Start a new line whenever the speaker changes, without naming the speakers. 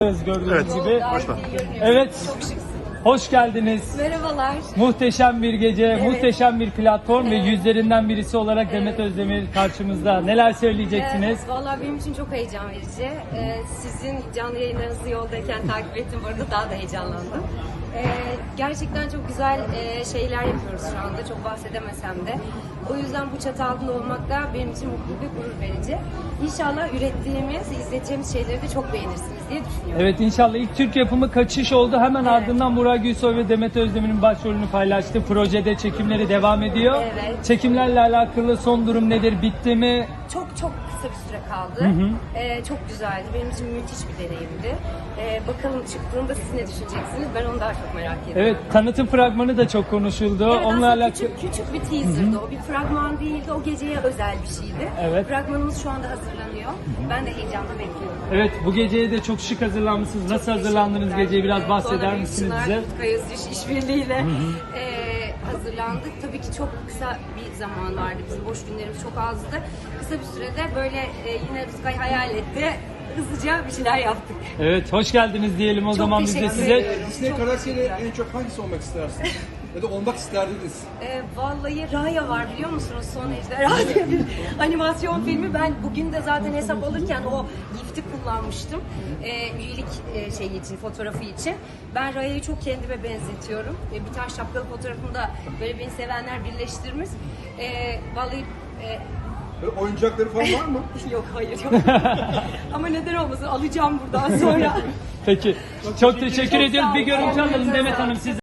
Gördüğünüz
Evet.
gibi.
Başla.
Evet.
Çok şıksın.
Hoş geldiniz.
Merhabalar.
Muhteşem bir gece,
Evet.
muhteşem bir platform ve
Evet.
yüzlerinden birisi olarak Demet Özdemir karşımızda. Neler söyleyeceksiniz?
Vallahi benim için çok heyecan verici. Sizin canlı yayınlarınızı yoldayken takip ettim. Bu arada daha da heyecanlandım. Gerçekten çok güzel şeyler yapıyoruz şu anda. Çok bahsedemesem de. O yüzden bu çatı altında olmak da benim için mutlu ve gurur verici. İnşallah ürettiğimiz, izleteceğimiz şeyleri de çok beğenirsiniz diye düşünüyorum.
Evet, inşallah ilk Türk yapımı Kaçış oldu. Hemen
Evet.
ardından Burak Gülsoy ve Demet Özdemir'in başrolünü paylaştı. Projede çekimleri devam ediyor.
Evet.
Çekimlerle alakalı son durum nedir? Bitti mi?
Çok kısa bir süre kaldı. Çok güzeldi. Benim için müthiş bir deneyimdi. Bakalım çıktığında siz ne düşüneceksiniz? Ben onu daha çok merak ediyorum.
Evet, tanıtım fragmanı da çok konuşuldu.
Evet,
Onunla
aslında
alakalı...
küçük bir teaser'dı o. Bir fragman değildi. O geceye özel bir şeydi.
Evet.
Fragmanımız şu anda hazırlanıyor. Ben de heyecanla bekliyorum.
Evet, bu geceye de çok şık hazırlanmışsınız. Nasıl hazırlandınız
Teşekkürler.
geceye? Biraz bahseder
Sonra
misiniz
Çınar,
bize?
Utku Yazıcı işbirliğiyle hazırlandık. Tabii ki çok kısa bir zaman vardı. Bizim boş günlerimiz çok azdı. Kısa bir sürede böyle yine Rüzgar hayal etti. Hızlıca bir şeyler yaptık.
Evet, hoş geldiniz diyelim o
Çok
zaman biz de
teşekkür
size.
ediyorum.
Disney
Çok
karakteri
teşekkürler.
en çok hangisi olmak istersiniz? Ya da olmak isterdiniz?
Vallahi Raya var biliyor musunuz? Son Ejderha diye bir animasyon filmi. Ben bugün de zaten hesap alırken o gifti kullanmıştım. Üyelik şeyi için, fotoğrafı için. Ben Raya'yı çok kendime benzetiyorum. Bir tane şapkalı fotoğrafımda böyle beni sevenler birleştirmiş. Vallahi
Böyle oyuncakları falan var mı?
yok hayır yok. Ama neden olmasın alacağım buradan sonra.
Peki, çok teşekkür
Çok
ediyoruz.
sağ
Bir
olun.
görüntü alalım
Ayağınıza
Demet
sağlık.
Hanım siz.